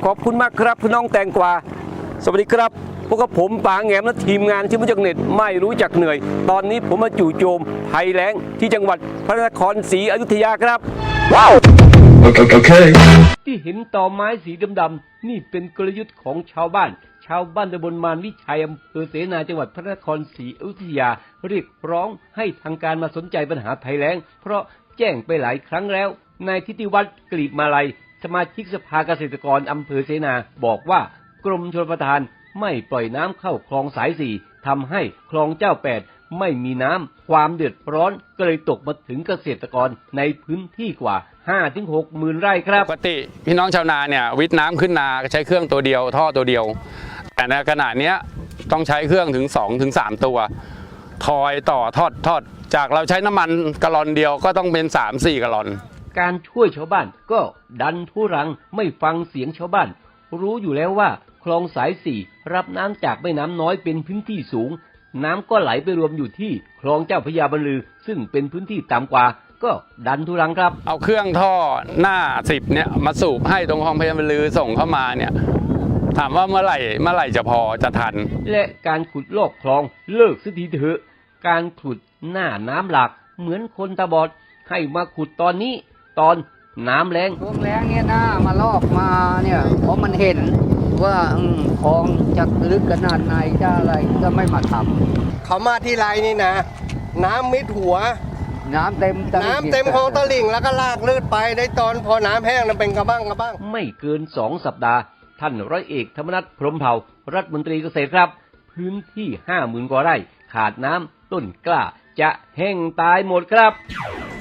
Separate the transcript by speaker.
Speaker 1: ขอบคุณมากครับพี่น้องแตงกวาสวัสดีครับพวกกับผมป๋าแหงมและทีมงานที่มาจากเน็ตไม่รู้จักเหนื่อยตอนนี้ผมมาจู่โจมภัยแล้งที่จังหวัดพระนครศรีอยุธยาครับว้าวที่เห็นต่อไม้สีดำๆนี่เป็นกลยุทธ์ของชาวบ้านตำบลมารวิชัยอำเภอเสนาจังหวัดพระนครศรีอยุธยาเรียกร้องให้ทางการมาสนใจปัญหาภัยแล้งเพราะแจ้งไปหลายครั้งแล้วนายทิติวัฒน์กลีบมาลัยสมาชิกสภาเกษตรกรอำเภอเสนาบอกว่ากรมชลประทานไม่ปล่อยน้ำเข้าคลองสาย4ทำให้คลองเจ้า8ไม่มีน้ำความเดือดร้อนก็เลยตกมาถึงเกษตรกรในพื้นที่กว่า 5-6 หมื่นไร่ครับ
Speaker 2: ปกติพี่น้องชาวนาเนี่ยวิทน้ำขึ้นนาใช้เครื่องตัวเดียวท่อตัวเดียวแต่ในขณะนี้ต้องใช้เครื่องถึง 2-3 ตัวทอยต่อทอดจากเราใช้น้ำมันกะลอนเดียวก็ต้องเป็น 3-4 กะลอน
Speaker 1: การช่วยชาวบ้านก็ดันทุรังไม่ฟังเสียงชาวบ้านรู้อยู่แล้วว่าคลองสาย4รับน้ำจากแม่น้ำน้อยเป็นพื้นที่สูงน้ำก็ไหลไปรวมอยู่ที่คลองเจ้าพระยาบรรลือซึ่งเป็นพื้นที่ต่ำกว่าก็ดันทุรังครับ
Speaker 2: เอาเครื่องท่อหน้า10เนี่ยมาสูบให้ตรงคลองพระยาบรรลือส่งเข้ามาเนี่ยถามว่าเมื่อไหร่จะพอจะทัน
Speaker 1: และการขุดลอกคลองเลิกสักทีเถอะการขุดหน้าน้ำหลากเหมือนคนตาบอดให้มาขุดตอนนี้ตอนน้ำแรง
Speaker 3: ช่วงแรงเนี่ยนะมาลอกมาเนี่ยเพราะมันเห็นว่าคลองจะลึกขนาดไหนจะอะไรก็ไม่มาท
Speaker 4: ำเขามาที่ไรนี่นะน้ำมิดหัว
Speaker 3: น้ำเต็ม
Speaker 4: คลองตลิ่งแล้วก็ลากลืดไปได้ตอนพอน้ำแห้งมันเป็นกระบ้าง
Speaker 1: ไม่เกิน2 สัปดาห์ท่านร้อยเอกธรรมนัสพรหมเผ่ารัฐมนตรีเกษตรครับพื้นที่ 50,000 กว่าไร่ขาดน้ำต้นกล้าจะแห้งตายหมดครับ